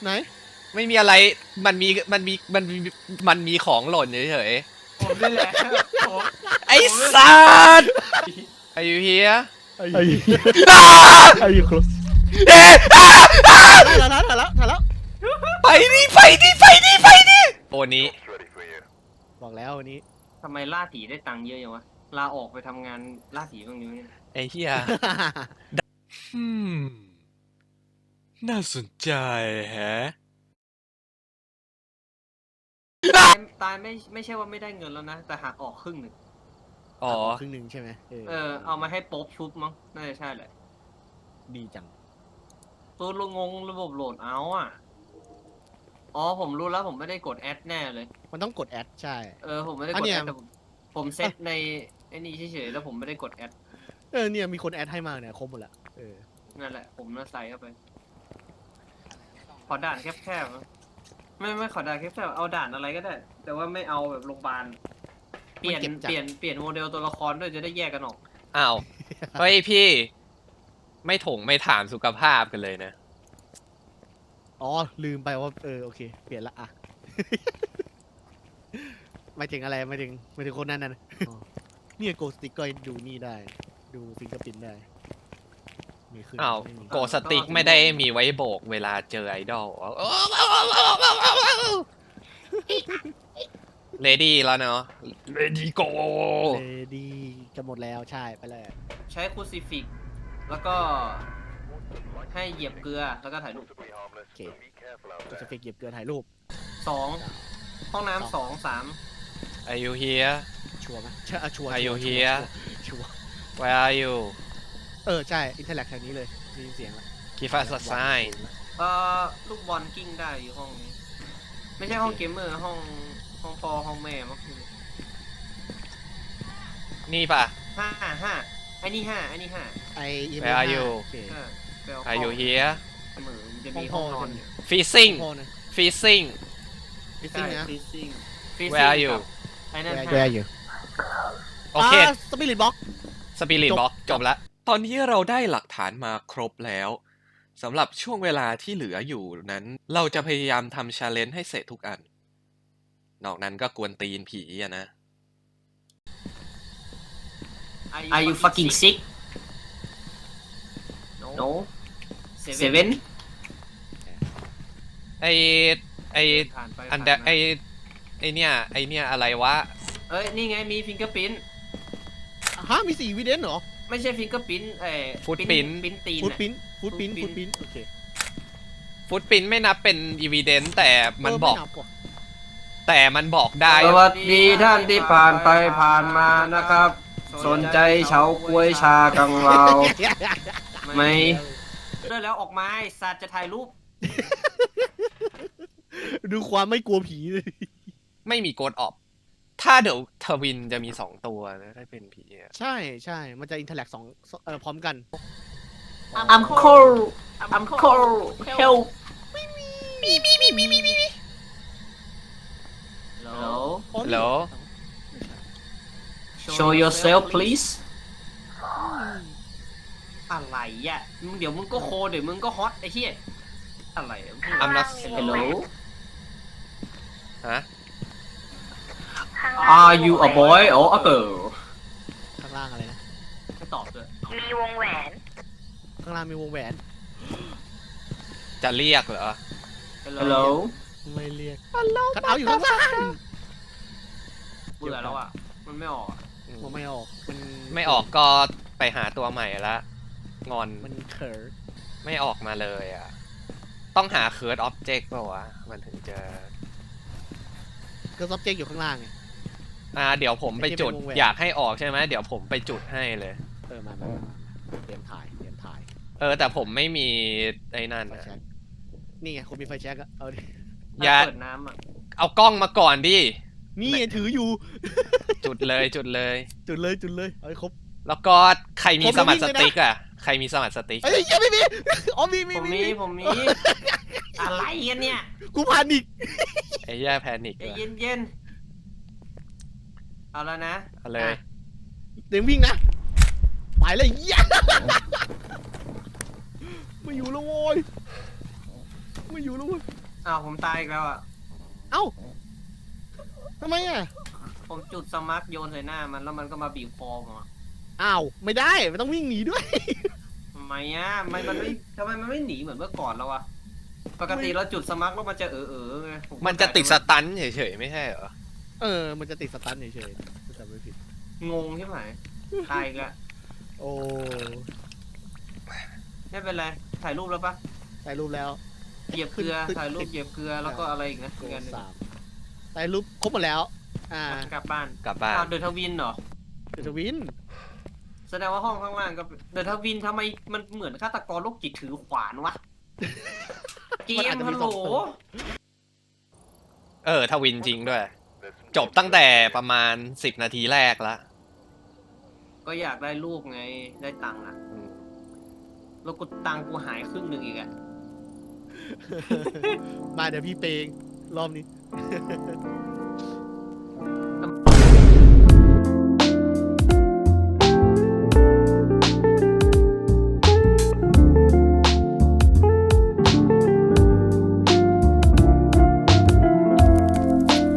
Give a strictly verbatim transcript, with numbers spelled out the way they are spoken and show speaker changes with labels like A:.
A: ไหน
B: ไม่มีอะไรมันมีมันมีมันมีมันมีของหล่นเฉย
C: ๆผมนี่แหละ
B: ๆไอ้สัตว์ไอ้ยูเฮีย
A: ไอ้ไอ้ยูครบถ่ายแล้วถ่ายแล้วถ่ายแล้ว
B: ไปดิไปดิไปดิไปดิโอนี้
A: บอกแล้ววันนี้
C: ทำไมล่าผีได้ตังค์เยอะอย่างวะลาออกไปทำงานล่าผีบ้างนี้
B: ไอ้เฮียอืมน่าสนใจแฮะ
C: ตายไม่ไม่ใช่ว่าไม่ได้เงินแล้วนะแต่หักออกครึ่งหนึ่ง
B: อ๋อ
A: ครึ่งหนึ่งใช่ไหม
C: เออเอามาให้โป๊บชุบมั้งน่าจะใช่แหละ
A: ดีจัง
C: ตัวลงงระบบโหลดเอาอ่ะอ๋อผมรู้แล้วผมไม่ได้กดแอดแน่เลย
A: มันต้องกดแอดใช่
C: เออผมไม่ได้กดแอดแต่ผมเซตในไอ้นี่เฉยๆแล้วผมไม่ได้กดแอด
A: เออเนี่ยมีคนแอดให้มาเนี่ยครบหมดละเออ
C: นั่นแหละผมน่าใส่เข้าไปขอด่านแคบๆไม่ไม่ขอด่านแคบๆเอาด่านอะไรก็ได้แต่ว่าไม่เอาแบบโรงพยาบาลเปลี่ยนเปลี่ยนเปลี่ยนโมเดลตัวละครด้วยจะได้แยกกันออก
B: อ้าวเฮ้ยพี่ไม่ถงไม่ถามสุขภาพกันเลยนะ
A: อ๋อลืมไปว่าเออโอเคเปลี่ยนละอ่ะไม่ถึงอะไรไม่ถึงไม่ถึงคนนั้นนะนี่โกสติกก็ดูนี่ได้ดูฟิงเกอร์พิ้นได้มีขึ้น
B: อ้าวโกสติกไม่ได้มีไว้โบกเวลาเจอไอดอลเลดี้แล้วเนาะเลดี้โก
A: เลดี้จะหมดแล้วใช่ไปเลย
C: ใช้คูซิฟิกแล้วก็ให้เหยียบเกลือแล้วก็ถ่ายรูป
A: โอเคคูซิฟิกเหยียบเกลือถ่ายรูป
C: สองห้องน้ำสองสาม
B: Are you here
A: ชัวร์ไหมใช่ชัวร์
B: Are you here
A: ชัวร์
B: Where are you
A: เออใช่อินเทอร์แลกแถวนี้เลยมีเสียงละ
B: Give us a sign
C: เอ่อลูกบอลกิ้งได้อยู่ห้องนี้ไม่ใช่ห้องเกมเมอร์ห้องห้องพ่อห้องแม่มั้ง
B: นี่ป่ะ
C: ห้าห้าไอ้นี่ห้าไอ้นี่ห้า
A: ไอ้
B: Where are you Are you here
C: เหมือนจะมีห้องนอน
B: Freezing Freezing
A: Freezing นะ
B: Where are you
C: ไอ้นั่น
A: Where are you
B: โอเค
A: สปิริตบ็อก
B: สปิริตบ็อกจบแล้วตอนนี้เราได้หลักฐานมาครบแล้วสำหรับช่วงเวลาที่เหลืออยู่นั้นเราจะพยายามทำชาเลนจ์ให้เสร็จทุกอันนอกนั้นก็กวนตีนผีอะนะ
C: Are you fucking sick No Seven
B: ไอไออันเดไอไอเนี่ยไอเนี่ยอะไรวะ
C: เอ้ยนี่ไงมีฟิงเกอร์พิ้น
A: ฮะมีสี่วิเดนเหรอ
C: ไม่ใช่ฟิงเกอร์พิ้นเอ่อ
B: ฟุตปิ้น
C: ปิ้นตีน
A: ฟุตปิ้นฟุตปิ้นฟุตปิ้นโอเค
B: ฟุตปิ้นไม่นับเป็นอีวีเดนแต่มันบอกแต่มันบอกได้
C: สวัสดีท่านที่ผ่านไปผ่านมานะครับสนใจเฉาก้วยชากังวาวไม่ได้แล้วออกมาสัตว์จะถ่ายรูป
A: ดูความไม่กลัวผีเลย
B: ไม่มีโกดออฟถ้าเดี๋ยวทวินจะมีสองตัวนะถ้าเป็นผี
A: ใช่ใช่มันจะอินเทอร์แลกสองเอ่อพร้อมกัน
C: I'm cold I'm cold help
B: มีมีมีมีมีมีมี
C: Hello
B: Hello
C: Show yourself please อะไรอ่ะมึงเดี๋ยวมึงก็โคเดี๋ยวมึงก็ฮอตไอ้เหี้ยอะไร
B: I'm not
C: Hello
B: ฮะ
C: Are you a boy or a girl
A: ข้างล่างอะไรนะ
C: ไม่ตอบเลย
D: มีวงแหวน
A: ข้างล่างมีวงแหวน
B: จะเรียกเหรอ
C: Hello
A: ไม่เรียกคัดเอาอยู่ข้างล่าง
C: เบื่อแล้วอ่ะมันไม่ออก
A: มันไม่ออกมัน
B: ไม่ออกก็ไปหาตัวใหม่ละงอน
A: มันเคิร์ด
B: ไม่ออกมาเลยอ่ะต้องหาเคิร์ดออบเจกต์ป่าวะมันถึงจะ
A: เคิร์ดออบเจกต์อยู่ข้างล่างไง
B: อ่าเดี๋ยวผมไปจุดอยากให้ออกใช่ไหมเดี๋ยวผมไปจุดให้เลย
A: เออมาเตรียมถ่ายเตรียมถ่าย
B: เออแต่ผมไม่มีไอ้นั่นนะ
A: นี่ไงคุณมีไฟแช็กอะเอาดิ
B: อย่า
C: เปิดน้ำอ่ะ
B: เอากล้องมาก่อนดิ
A: นี่ถืออยู่
B: จุดเลยจุดเลย
A: จุดเลยจุดเลยเอาให้ครบ
B: แล้วก็ใครมีสมัครสติ๊กอ่ะใครมีสมัครสติ๊ก
A: เอ้ยยังไม่มีอ๋อมีมี
C: ผมมีผมมีอะไรกันเนี่ย
A: กูพานิก
B: ไอ้แย่แพนิก
C: เย็นเย็นเอาแล้วนะ
B: เอาเลย
A: เดี๋ยววิ่งนะไปเลยยัยมาอยู่แล้วโว้ยไม่อยู่แล้วเว้ย
C: อ้าวผมตายอีกแล้วอ่ะ
A: เอ้าทำไมอ่ะ
C: ผมจุดสมาร์ทโยนใส่หน้ามันแล้วมันก็มาบีบคอผมอะ
A: อ้าวไม่ได้มันต้องวิ่งหนีด้วย
C: ทำไมอ่ะทำไมมันไม่ทำไมมันไม่หนีเหมือนเมื่อก่อนแล้ววะปกติเราจุดสมาร์ทแล้วมันจะเออเออไงผ
B: มันจะติดสตันเฉยๆไม่ใช่เหรอ
A: เออมันจะติดสตันเฉยๆถ้าจำไม่ผิด
C: งงใช่ไหมตายอีกแล้ว
A: โอ้
C: ไม่เป็นไรถ่ายรูปแล้วปะ
A: ถ่ายรูปแล้ว
C: เหยียบเกลือ
A: ขึ้น
C: ถ่ายรูปเหยียบเกลือแล้วก็อะไรอีกนะ
A: โก
C: อีกอันหนึ่ง
A: สามถ่ายรูปครบหมดแล้ว อ่า
C: กลับบ้าน
B: กลับบ้าน
C: อ้าวเดอะทวินเหรอ
A: เดอะทวิน
C: แสดงว่าห้องข้างล่างก็เดอะทวินทำไมมันเหมือนฆาตกรโรคจิตถือขวานวะเกมฮัลโหล
B: เออทวินจริงด้วย จบตั้งแต่ประมาณสิบนาทีแรกละ
C: ก็อยากได้รูปไงได้ตังค์อ่ะ
B: อืม
C: แล้วกูตังค์กูหายครึ่งหนึ่งอีกอะ
A: มาเดี๋ยวพี่เปย์รอบนี้